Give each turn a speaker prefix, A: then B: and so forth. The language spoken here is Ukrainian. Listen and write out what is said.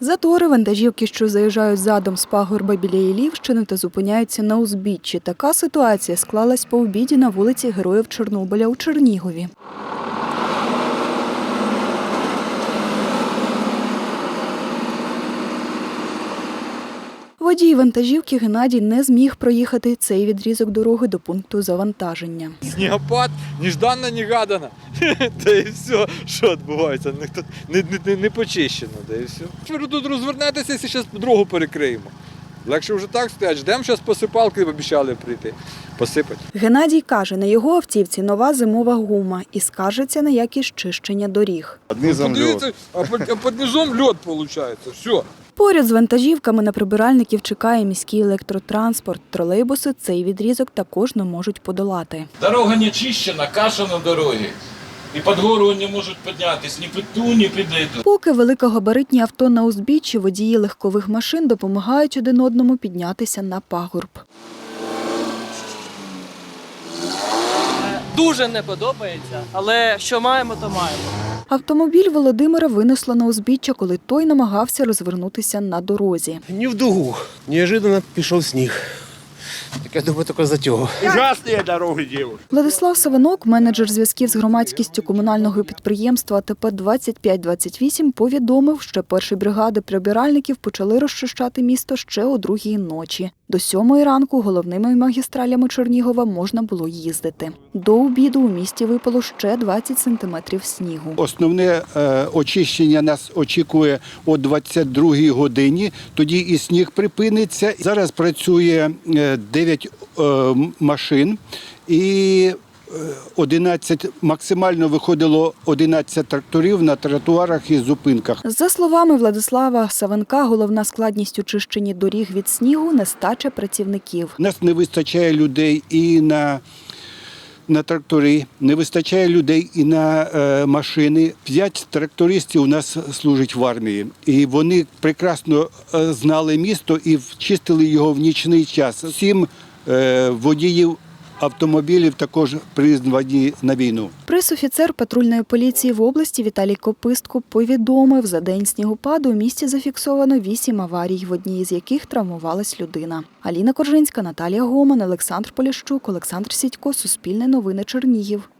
A: Затори, вантажівки, що заїжджають задом з пагорба біля Іллівщини та зупиняються на узбіччі. Така ситуація склалась по обіді на вулиці Героїв Чорнобиля у Чернігові. Водій вантажівки Геннадій не зміг проїхати цей відрізок дороги до пункту завантаження.
B: Снігопад, нежданно-негадано. Та і все, що відбувається, не почищено, та і все. Ви тут розвернетеся, якщо зараз дорогу перекриємо. Легше вже так стоять, ждемо, зараз посипалки обіцяли прийти, посипати.
A: Геннадій каже, на його автівці нова зимова гума і скаржиться на якість чищення доріг.
B: Подивіться, а під низом льод виходить, все.
A: Поряд з вантажівками на прибиральників чекає міський електротранспорт. Тролейбуси цей відрізок також не можуть подолати.
C: Дорога не чищена, каша на дорогі. І під гору не можуть піднятися ні під ту, ні під ету.
A: Поки великогабаритні авто на узбіччі, водії легкових машин допомагають один одному піднятися на пагорб.
D: Дуже не подобається, але що маємо, то маємо.
A: Автомобіль Володимира винесло на узбіччя, коли той намагався розвернутися на дорозі.
E: Не в дугу. Неожиданно пішов сніг. Так я думаю, тільки за цього.
F: Ужасні дороги, дівчата.
A: Владислав Савинок, менеджер зв'язків з громадськістю комунального підприємства АТП 2528, повідомив, що перші бригади прибиральників почали розчищати місто ще о 2-й ночі. До 7-ї ранку головними магістралями Чернігова можна було їздити. До обіду у місті випало ще 20 сантиметрів снігу.
G: Основне очищення нас очікує о 22-й годині, тоді і сніг припиниться. Зараз працює 9 машин і 11, максимально виходило 11 тракторів на тротуарах і зупинках.
A: За словами Владислава Савенка, головна складність у чищенні доріг від снігу – нестача працівників.
G: У нас не вистачає людей і на трактори, не вистачає людей і на машини. 5 трактористів у нас служать в армії. І вони прекрасно знали місто і чистили його в нічний час. 7 водіїв автомобілів також призвані на війну.
A: Пресофіцер патрульної поліції в області Віталій Копистко повідомив, за день снігопаду у місті зафіксовано 8 аварій, в одній з яких травмувалась людина. Аліна Коржинська, Наталія Гоман, Олександр Поліщук, Олександр Сідько, Суспільне новини, Чернігів.